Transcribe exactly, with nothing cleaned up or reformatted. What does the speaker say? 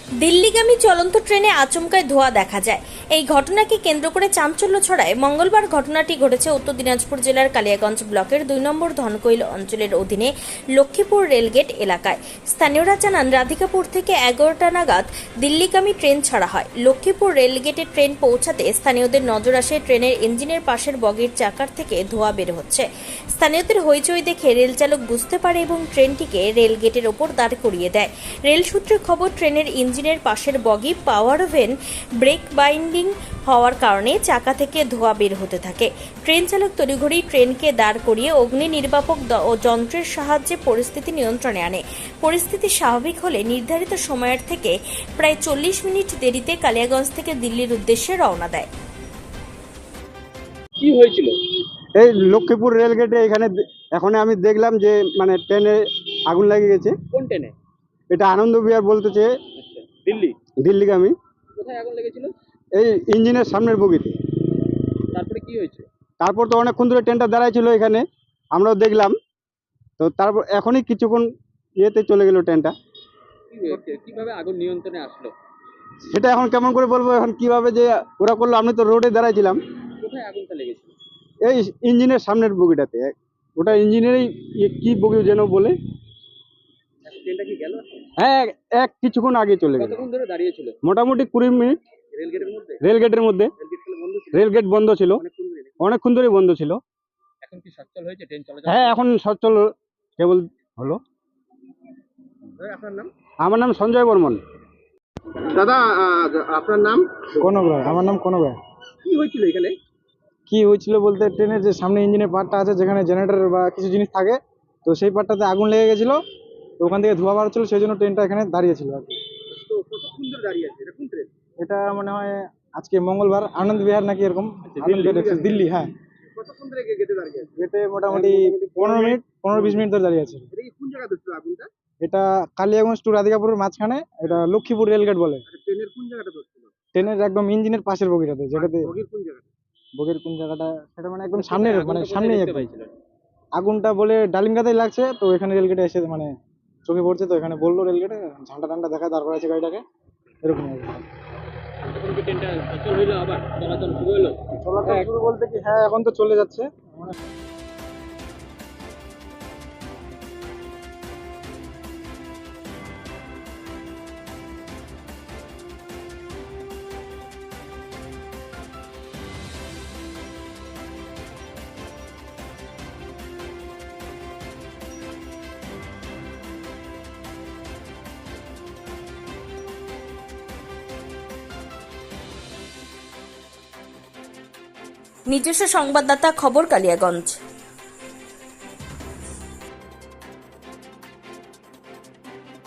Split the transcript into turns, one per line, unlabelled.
দিল্লিগামী চলন্ত ট্রেনে আচমকায় ধোঁয়া দেখা যায়। এই ঘটনাকে কেন্দ্র করে চাঞ্চল্য ছড়ায়। মঙ্গলবার ঘটনাটি ঘটেছে উত্তর দিনাজপুর জেলার কালিয়াগঞ্জ ব্লকের দুই নম্বর ধনকৈল অঞ্চলের অধীনে লক্ষ্মীপুর রেলগেট এলাকায়। স্থানীয়রা জানান, রাধিকাপুর থেকে এগারোটা নাগাদ দিল্লিগামী ট্রেন ছাড়া হয়। লক্ষ্মীপুর রেলগেটে ট্রেন পৌঁছাতে স্থানীয়দের নজর আসে ট্রেনের ইঞ্জিনের পাশের বগির চাকার থেকে ধোঁয়া বের হচ্ছে। স্থানীয়দের হইচই দেখে রেল চালক বুঝতে পারে এবং ট্রেনটিকে রেলগেটের ওপর দাঁড় করিয়ে দেয়। রেল সূত্রে খবর, ট্রেনের ইঞ্জিনের পাশের বগি পাওয়ার ভেন ব্রেক বাইন্ডিং হওয়ার কারণে চাকা থেকে ধোঁয়া বের হতে থাকে। ট্রেন চালক তড়িঘড়ি ট্রেনকে দাঁড় করিয়ে অগ্নি নির্বাপক ও যন্ত্রের সাহায্যে পরিস্থিতি নিয়ন্ত্রণে আনে। পরিস্থিতি স্বাভাবিক হলে নির্ধারিত সময়ের থেকে প্রায় চল্লিশ মিনিট দেরিতে কালিয়াগঞ্জ থেকে দিল্লির উদ্দেশ্যে রওনা দেয়।
কি হয়েছিল?
এই লক্ষ্মীপুর রেলগেটে এখানে এখন আমি দেখলাম যে মানে ট্রেনে আগুন লেগে গেছে।
কোন ট্রেনে?
এটা আনন্দ বিহার বলতেছে,
আচ্ছা, দিল্লি।
দিল্লিগামী।
কোথায় আগুন লেগেছিল?
এই ইঞ্জিনের সামনের বগিতে।
তারপরে কি হয়েছে?
তারপর তো অনেকক্ষণ ধরে ট্রেনটা দাঁড়ায় ছিল এখানে, আমরাও দেখলাম। তো তারপর এখনই কিছুক্ষণ ইয়েতে চলে গেল ট্রেনটা।
কি হয়েছে? কিভাবে আগুন নিয়ন্ত্রণে আসলো?
সেটা এখন কেমন করে বলবো, এখন কিভাবে যে ওরা করলো। আমি তো রোডে দাঁড়াইছিলাম।
কোথায় আগুনটা লেগেছিল?
এই ইঞ্জিনের সামনের বগিটাতে। ওটা ইঞ্জিনেরই কি বগি যেন বলে।
আচ্ছা, ট্রেনটা কি গেল?
হ্যাঁ, এক কিছুক্ষণ আগে চলে গেল।
কতক্ষণ ধরে দাঁড়িয়ে ছিল?
মোটামুটি কুড়ি মিনিট।
রেলগেটের মধ্যে?
রেলগেটের মধ্যে।
রেলগেট কি বন্ধ ছিল?
রেলগেট বন্ধ ছিল,
অনেকক্ষণ ধরে?
অনেকক্ষণ ধরে বন্ধ ছিল।
এখন কি সচল হয়েছে ট্রেন চলাচল?
হ্যাঁ, এখন সচল কেবল হলো।
ভাই, আপনার নাম?
আমার নাম সঞ্জয় বর্মন।
দাদা, আপনার নাম?
কনকরায়। আমার নাম কনকরায়।
কি হয়েছিল এখানে?
কি হয়েছিল বলতে, ট্রেনের যে সামনে ইঞ্জিনের পার্টটা আছে, যেখানে জেনারেটর বা কিছু জিনিস থাকে, তো সেই পার্টটাতে আগুন লেগে গেছিল। তো ওখান থেকে ধোঁয়া বার হচ্ছিল, সেই জন্য ট্রেনটা এখানে দাঁড়িয়েছিল আর কি।
তো কতক্ষণ ধরে দাঁড়িয়ে আছে? এটা কোন ট্রেন?
এটা মনে হয় আজকে মঙ্গলবার, আনন্দ বিহার নাকি এরকম। আনন্দ বিহার এক্সপ্রেস, দিল্লি। হ্যাঁ,
কতক্ষণ ধরে গেটে দাঁড়িয়ে আছে?
গেটে মোটামুটি পনেরো মিনিট পনেরো বিশ মিনিট ধরে দাঁড়িয়ে আছে।
এটা কি কোন জায়গাতে ছিল আগুনটা?
এটা কালিয়াগঞ্জ টু রাধিকাপুরের মাঝখানে, এটা লক্ষ্মীপুর রেলগেট বলে।
আচ্ছা, ট্রেনের কোন জায়গাটা ধরছিল?
ট্রেনের একদম ইঞ্জিনের পাশের বগিটাতে, যেটাতে
বগির কোন জায়গাটা?
বগির কোন জায়গাটা সেটা মানে একদম সামনের, মানে সামনেই
দেখতে
একদম।
পাইছিলেন?
আগুনটা বলে ডালিমগাতেই লাগছে, তো এখানে রেলগেটে এসে মানে চোখে পড়ছে, তো এখানে বললো রেলগেটে ঝান্ডা টান্ডা দেখা দাঁড় করা আছে গাড়িটাকে, এরকম আর কি।
এখন কি ট্রেনটা সচল হইলো, আবার চলাচল শুরু হলো?
চলাচল শুরু বলতে কি, হ্যাঁ এখন তো চলে যাচ্ছে।
নিজস্ব সংবাদদাতা, খবর কালিয়াগঞ্জ।